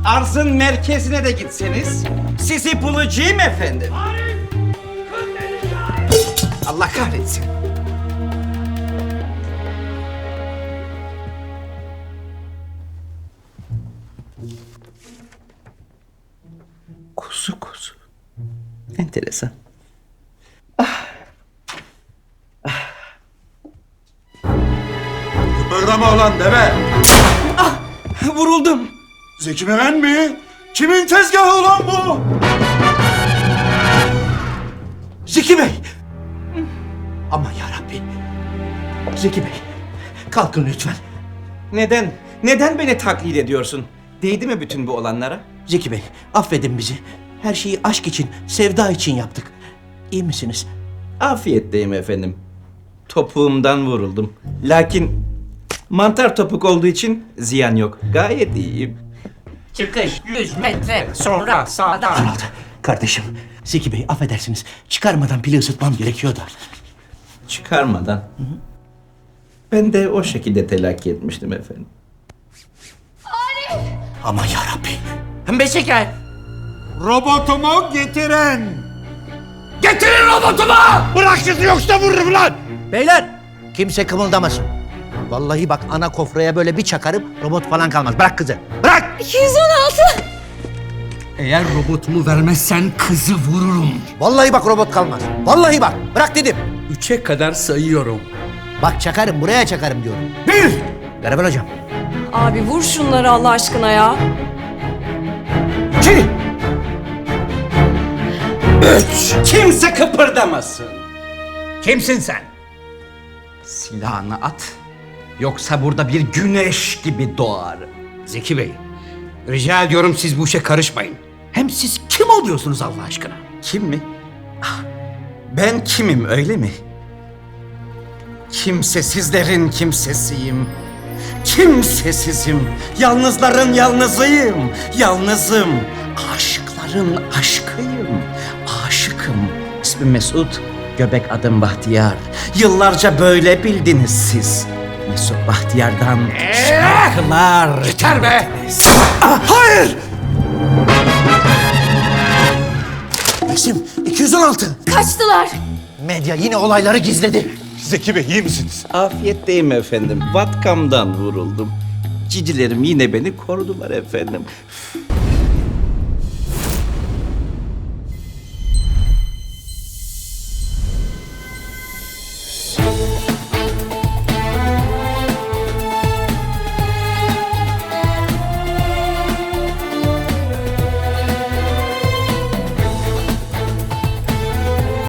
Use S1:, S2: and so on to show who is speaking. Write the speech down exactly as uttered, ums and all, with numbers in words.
S1: arzın merkezine de gitseniz sizi bulacağım efendim. Allah kahretsin. Kuzu kuzu. Enteresan.
S2: Kıpırdama ulan deve!
S1: Vuruldum.
S2: Zeki Müren mi? Kimin tezgahı ulan bu?
S1: Zeki Bey. Aman yarabbi. Zeki Bey. Kalkın lütfen. Neden? Neden beni taklit ediyorsun? Değdi mi bütün bu olanlara?
S3: Zeki Bey, affedin bizi. Her şeyi aşk için, sevda için yaptık. İyi misiniz?
S1: Afiyetteyim efendim. Topuğumdan vuruldum. Lakin mantar topuk olduğu için ziyan yok. Gayet iyiyim.
S4: Çıkış yüz metre sonra sağdan.
S3: Arnold, kardeşim. Zeki Bey, affedersiniz. Çıkarmadan pili ısıtmam gerekiyor da.
S1: Çıkarmadan. Ben de o şekilde telakki etmiştim efendim.
S3: Aman yarabbi.
S4: Beşiker.
S2: Robotumu getiren!
S4: Getirin robotumu!
S2: Bırak sizi yoksa vururum lan!
S3: Beyler, kimse kımıldamasın. Vallahi bak ana kofraya böyle bir çakarım, robot falan kalmaz. Bırak kızı, bırak!
S5: iki yüz on altı.
S6: Eğer robotumu vermezsen kızı vururum.
S3: Vallahi bak robot kalmaz. Vallahi bak, bırak dedim.
S6: Üçe kadar sayıyorum.
S3: Bak çakarım, buraya çakarım diyorum. Bir! Garibel hocam.
S5: Abi vur şunları Allah aşkına ya.
S3: İki!
S1: Kimse kıpırdamasın.
S6: Kimsin sen?
S1: Silahını at. Yoksa burada bir güneş gibi doğar.
S6: Zeki Bey, rica ediyorum siz bu işe karışmayın. Hem siz kim oluyorsunuz Allah aşkına?
S1: Kim mi? Ah, ben kimim öyle mi? Kimsesizlerin kimsesiyim. Kimsesizim. Yalnızların yalnızıyım. Yalnızım. Aşıkların aşkıyım. Aşıkım. İsmim Mesut. Göbek adım Bahtiyar. Yıllarca böyle bildiniz siz. Mesut Bahtiyar'dan şarkılar.
S6: Yeter be!
S1: Hayır!
S3: Resim iki yüz on altı.
S5: Kaçtılar.
S3: Medya yine olayları gizledi.
S2: Zeki Bey iyi misiniz?
S1: Afiyetteyim efendim. Vatkamdan vuruldum. Cicilerim yine beni korudular efendim.